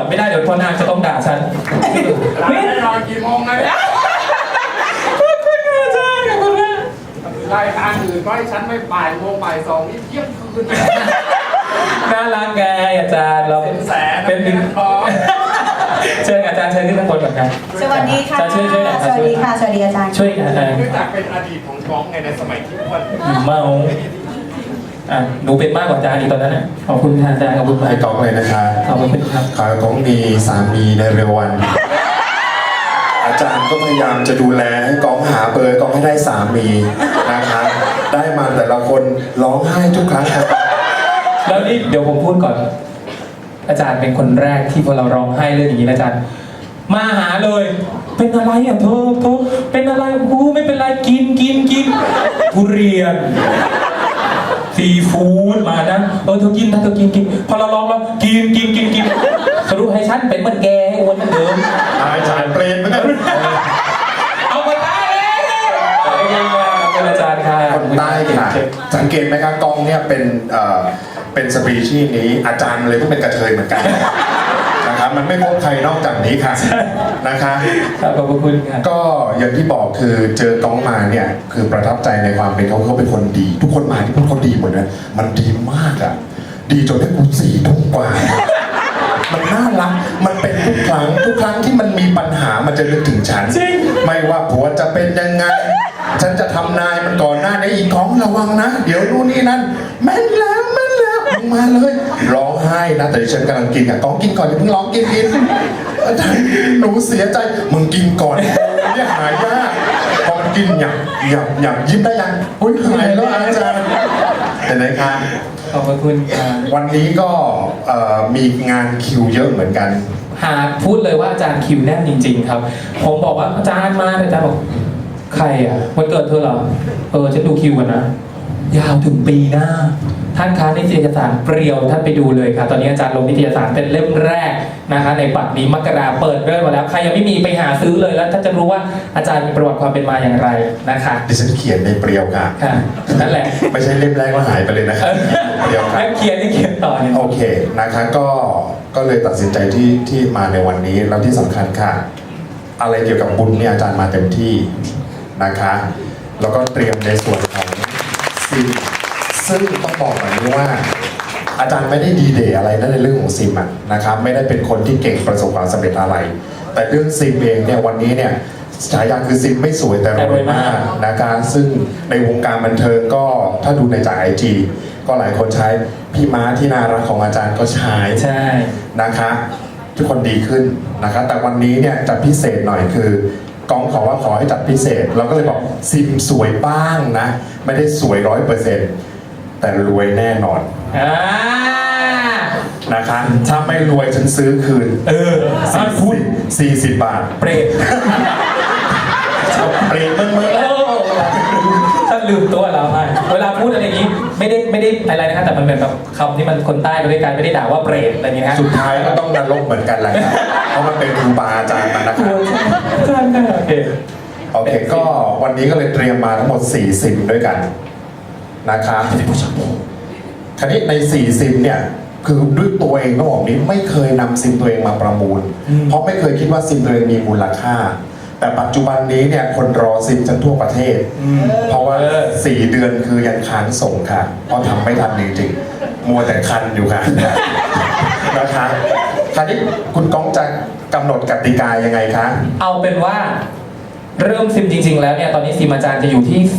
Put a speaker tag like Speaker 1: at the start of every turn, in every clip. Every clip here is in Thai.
Speaker 1: ไม่ได้เดี๋ยวพ่อนาคจะต้องด่าฉัน
Speaker 2: ร้านแน่นอนกี่โมงนะ
Speaker 1: ขอบคุณค่ะอาจารย์ขอบคุณค่ะ
Speaker 2: รายการอื่นก็ให้ฉันไม่บ่ายโมงบ่ายสองนี่เที่ยงคืนนะ
Speaker 1: น่ารักไงอาจารย์เรา
Speaker 2: เป็นแสน
Speaker 1: เป็นหนึ่ง
Speaker 2: ทอง
Speaker 1: เชิญอาจารย์เชิญขึ้นข้างบนก่อนครับ
Speaker 3: สวัสดีค่ะ
Speaker 1: ช่วยหน่อย
Speaker 3: สวัสดีค่ะ สวัสดีอาจารย์
Speaker 1: ช่วยอาจารย์
Speaker 2: เนื่องจากเป็นอดีตของก้องไงในสมัยที่อ้วน
Speaker 1: เมาหนูเป็นมากกว่าอาจารย์อีกตอนนั้นนะขอบคุณค่ะอาจารย์ขอบคุณมาก
Speaker 4: ให้กองเลยนะคะ
Speaker 1: ขอบคุณครับ
Speaker 4: ขอให้กองมีสามีในเร็ววัน อาจารย์ก็พยายามจะดูแลให้กองหาเบอร์กองให้ได้สามีนะคะได้มาแต่ละคนร้องไห้ทุกครั้งครับ
Speaker 1: แล้วนี่เดี๋ยวผมพูดก่อน อาจารย์เป็นคนแรกที่พอเราร้องไห้เรื่องอย่างนี้นะอาจารย์ มาหาเลย เป็นอะไรอ่ะโทเป็นอะไรกูไม่เป็นไรกินทุเรียนซีฟู้ดมานะเธอกินนะเธอกินพอเราลองแล้วกินสรุปให้ฉันเป็นเหมือนแกให้อ้วนเหมือนเดิม
Speaker 4: อาจารย์เปรมเหมือนกัน
Speaker 1: เอามาได้เลยเป็นอาจารย์ค่ะ
Speaker 4: คนใต้ค่ะสังเกตไหมครับกองเนี่ยเป็นสปีชีส์นี้อาจารย์เลยก็เป็นกระเทยเหมือนกันนะครับมันไม่พบใครนอกจากนี้ค่ะนะคะ
Speaker 1: ครับขอบคุณครับ
Speaker 4: ก็อย่างที่บอกคือเจอกองมาเนี่ยคือประทับใจในความเป็นเขาเป็นคนดี ทุกคนมาที่พวกเขาดีหมดเลยมันดีมากอ่ะดีจนได้กู4 ทุ่มกว่ามันน่ารักมันเป็นทุกครั้งที่มันมีปัญหามันจะนึกถึงฉัน
Speaker 1: จริง
Speaker 4: ไม่ว่าผัวจะเป็นยังไง ฉันจะทำนายมันก่อนหน้านี้อีกของระวังนะ เดี๋ยวนู่นนี่นั่นแม่นแล้วมึงมาเลยร้องไห้นะแต่ดิฉันกำลังกินอ่ะกองกินก่อนอย่าเพิ่งร้องกินอาจารย์หนูเสียใจมึงกินก่อนเนี่ยหายยากพอมันกินอยากยิ้มได้ยังอุ้ยหายแล้วอาจารย์เห็นไหมคะ
Speaker 1: ขอบคุณครับ
Speaker 4: วันนี้ก็มีงานคิวเยอะเหมือนกัน
Speaker 1: หาพูดเลยว่าอาจารย์คิวแน่นจริงๆครับ ผมบอกว่าอาจารย์มาอาจารย์บอกใครอ่ะวันเกิดเธอเหรอฉันดูคิวกันนะยาวถึงปีหน้าท่านคะนิตยสารเปรียวท่านไปดูเลยค่ะตอนนี้อาจารย์ลงนิตยสารเป็นเล่มแรกนะคะในปักนี้มกราเปิดเริ่มมาแล้วใครยังไม่มีไปหาซื้อเลยแล้วท่านจะรู้ว่าอาจารย์มีประวัติความเป็นมาอย่างไรนะคะ
Speaker 4: ดิฉันเขียนในเปรียวค่ะ
Speaker 1: ค่ะนั่นแหละ
Speaker 4: ไม่ใช่เล่มแรกแล้วหายไปเลยนะครับเปรียวค่ะ
Speaker 1: แล้วเขียนที่เขียนต่อเนี่ย
Speaker 4: โอเคนะคะก็เลยตัดสินใจที่มาในวันนี้แล้วที่สำคัญค่ะ อะไรเกี่ยวกับบุญเนี่ยอาจารย์มาเต็มที่นะคะแล้วก็เตรียมในส่วนของซิมซึ่งต้องบอกแบบนี้ว่า อาจารย์ไม่ได้ดีเดย์อะไรนะในเรื่องของซิมอะนะครับไม่ได้เป็นคนที่เก่งประสบความสำเร็จอะไร แต่เรื่องซิมเองเนี่ยวันนี้เนี่ยฉายาคือซิมไม่สวยแต่รวยมากนะคะซึ่งในวงการบันเทิงก็ถ้าดูในจากIGก็หลายคนใช้พี่ม้าที่น่ารักของอาจารย์ก็ใช้
Speaker 1: ใช่
Speaker 4: นะคะทุกคนดีขึ้นนะคะแต่วันนี้เนี่ยจะพิเศษหน่อยคือกองขอให้จัดพิเศษ เราก็เลยบอกซิมสวยบ้างนะไม่ได้สวย 100%แต่รวยแน่นอนนะคะถ้าไม่รวยฉันซื้อคืน40 บาท
Speaker 1: เปรต
Speaker 4: เปรตเมื่อ
Speaker 1: ท่านลืมตัวเราไปเวลาพูดอะไรอย่างนี้ไม่ได้อะไรนะครับแต่มันเหมือนแบบคำที่มันคนใต้ไปด้วยกันไม่ได้ด่าว่าเปรตอะไรอย่างนี้นะ
Speaker 4: สุดท้ายก็ต้องนรกเหมือนกันแหละครับเพราะมันเป็นครูบาอาจารย์มันนะครับ
Speaker 1: ใช่โอเค
Speaker 4: โอเคก็วันนี้ก็เลยเตรียมมาทั้งหมด4ซิมด้วยกันนะครับคราวนี้ใน4ซิมเนี่ยคือด้วยตัวเองต้องบอกนี้ไม่เคยนำซิมตัวเองมาประมูล เพราะไม่เคยคิดว่าซิมตัวเองมีมูลค่า แต่ปัจจุบันนี้เนี่ยคนรอซิมจนทั่วประเทศ เพราะว่า4 เดือนคือยังค้างส่งค่ะเพราะทำไม่ทันจริงๆมัวแต่คันอยู่ค่ะ นะคะคราวนี้คุณก้องจะกำหนดกติกายังไงคะ
Speaker 1: เอาเป็นว่าเริ่มซิมจริง ๆ แล้วเนี่ยตอนนี้ซิมอาจารย์จะอยู่ที่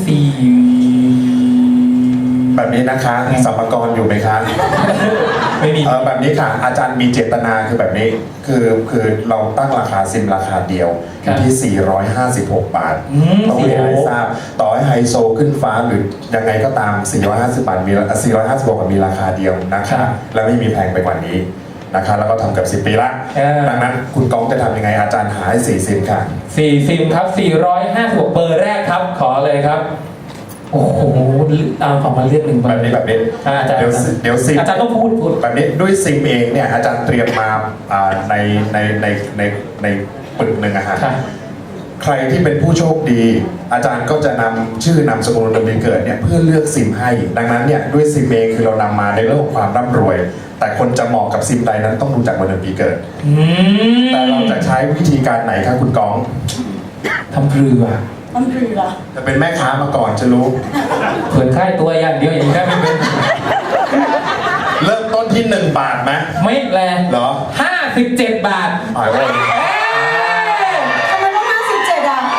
Speaker 4: แบบนี้นะคะสัมภาระอยู่ไหมคะ
Speaker 1: ไม่มี
Speaker 4: แบบนี้ค่ะอาจารย์มีเจตนาคือแบบนี้คือเราตั้งราคาซิมราคาเดียวอยู่ที่ 456 บาทต้องเรียนให้ทราบต่อให้ไฮโซขึ้นฟ้าหรือยังไงก็ตาม 450 บาทมี456 บาทมีราคาเดียวนะคะและไม่มีแพงไปกว่านี้นะคะแล้วก็ทำกับ10 ปีละดังนั้นคุณก้องจะทำยังไงอาจารย์หาให้4ซิมค่ะ
Speaker 1: 4ซิมครับ456เบอร์แรกครับขอเลยครับโอ้โหเอาของมาเลือก1เบอร์
Speaker 4: แบบนี้
Speaker 1: อาจารย์
Speaker 4: เดี๋ยวซิม
Speaker 1: อาจารย์ต้องพูด
Speaker 4: แบบนี้ด้วยซิมเองเนี่ยอาจารย์เตรียมมาในปึกหนึ่งอะฮะใครที่เป็นผู้โชคดี อาจารย์ก็จะนำชื่อนามสกุลวันเดือนปีเกิดเนี่ยเพื่อเลือกซิมให้ ดังนั้นเนี่ยด้วยซิมเองคือเรานำมาในเรื่องของความร่ำรวย แต่คนจะเหมาะกับซิมใดนั้นต้องดูจากวันเดือนปีเกิด แต่เราจะใช้วิธีการไหนครับคุณก้อง
Speaker 1: ทำเรือ
Speaker 3: ต้องคือเหรอ
Speaker 4: จะเป็นแม่ค้ามาก่อนจะรู้
Speaker 1: เผื่อค่ายตัวอย่างเดียวอย่างนี้ได้ไม่เป็น
Speaker 4: เริ่มต้นที่1 บาทไหม
Speaker 1: ไม่แรง
Speaker 4: เหรอ
Speaker 1: 57 บาท
Speaker 4: อ๋อโอ้ย
Speaker 3: ทำไมต้อง57อ่ะ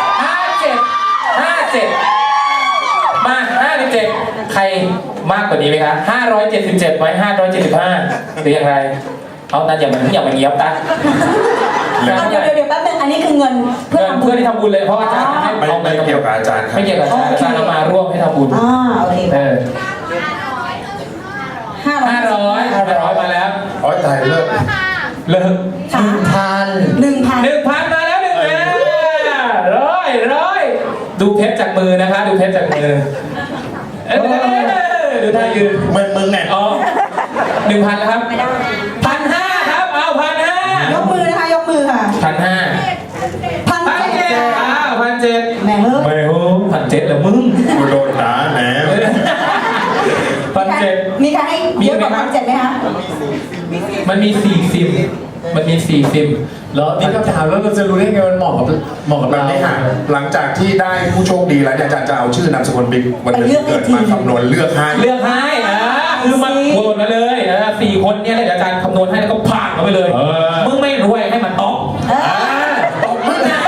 Speaker 1: 57มา57ใครมากกว่านี้ไหมคะ577ไหม575หรืออย่างไรเอานั่นอย่ามาเงียบตา
Speaker 3: เดี๋ยวแป๊บนึงอันนี้คือเงินเพื่อทำบุ
Speaker 1: เพื่อ
Speaker 3: ญ
Speaker 1: ที่ทำบุญเลยเพราะอาจารย์ให้
Speaker 4: ไม่
Speaker 1: เอาไป
Speaker 4: เกี่ยวกับอาจารย์ครับ
Speaker 1: ไม่เกี่ยวกับอาจารย์เอามาร่วมให้ทำบุญ
Speaker 3: โอเค
Speaker 1: 500มาแล้ว
Speaker 4: อ๋อตายเลิก
Speaker 1: เลิก
Speaker 3: 1,000
Speaker 1: มาแล้วร้อยดูเพชรจากมือนะคะ ดูเพชรจากมือดูท่ายืน
Speaker 4: มึงเนี่ย
Speaker 1: อ๋อ1,000แล้วครับ1,500ครับเอา1,500
Speaker 3: ยกมือนะคะยกมือค่ะ
Speaker 1: 1,500
Speaker 3: 1,700
Speaker 1: 1,700
Speaker 3: แม่งเลิก
Speaker 1: ไม่โห1,700เหรอมึง
Speaker 4: กูโดนด่าแหน
Speaker 1: 1,700
Speaker 3: มีใครให้เยอะกว่า1,700ไหมคะ
Speaker 1: มันมี4ซิม
Speaker 2: แล้วนี่คำถามแล้วเราจะรู้ได้ไงมันเหมาะกับ
Speaker 4: แบบ
Speaker 2: เรา
Speaker 4: นี้ค่ะหลังจากที่ได้ผู้โชคดีแล้วเนี่ยอาจารย์จะเอาชื่อนามสกุลบิ๊กวันเดือนปีเกิดมาคำนวณเลือกให้
Speaker 1: เลือกให้คือมันโหวตมาเลย4 คนเนี่ยแล้วเดี๋ยวอาจารย์คำนวณให้แล้วก็ผ่านมาไปเลย มึงไม่รวยให้มันต๊อก
Speaker 4: ตบมือนะ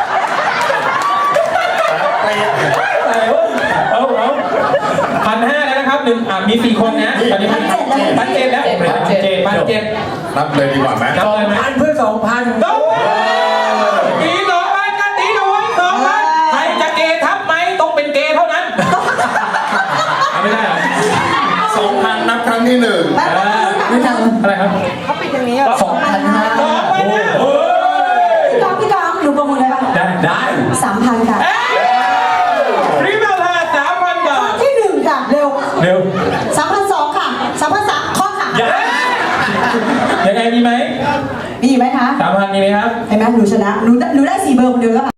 Speaker 1: เอา1,500แล้วนะครับมี4 คนนะตอนนี้1,700แล้ว1,700
Speaker 4: นับเลยดีกว่าไหม
Speaker 1: นับเลยไหม
Speaker 2: 2,000เพื่อ2,000
Speaker 1: ต้องตี2,000กันตีด้วย2,000ใครจะเกย์ทับไหมต้องเป็นเกย์เท่านั้นไม่ได้เหรอ
Speaker 4: 2,000 นับครั้งที่1
Speaker 3: ไม่ทำ
Speaker 1: อะไรครับ
Speaker 3: เขาปิดอย่างนี้อ่ะ
Speaker 1: 2,500
Speaker 3: พี่กองหนูประมูลได้ปะ
Speaker 1: ได้
Speaker 3: 3,000 ค่ะ
Speaker 1: รีบมาเลย3,000 บาท
Speaker 3: ที่1ค่ะเร็ว
Speaker 1: เร็ว
Speaker 3: 3,200 ค่ะ 3,300 ข้อค่ะ
Speaker 1: ยังไงมีไหม
Speaker 3: มีไหมคะ
Speaker 1: 3,000มีไหมครับ
Speaker 3: เห็นไหมหนูชนะหนูได้4 เบอร์คนเดียวแล้วค่ะ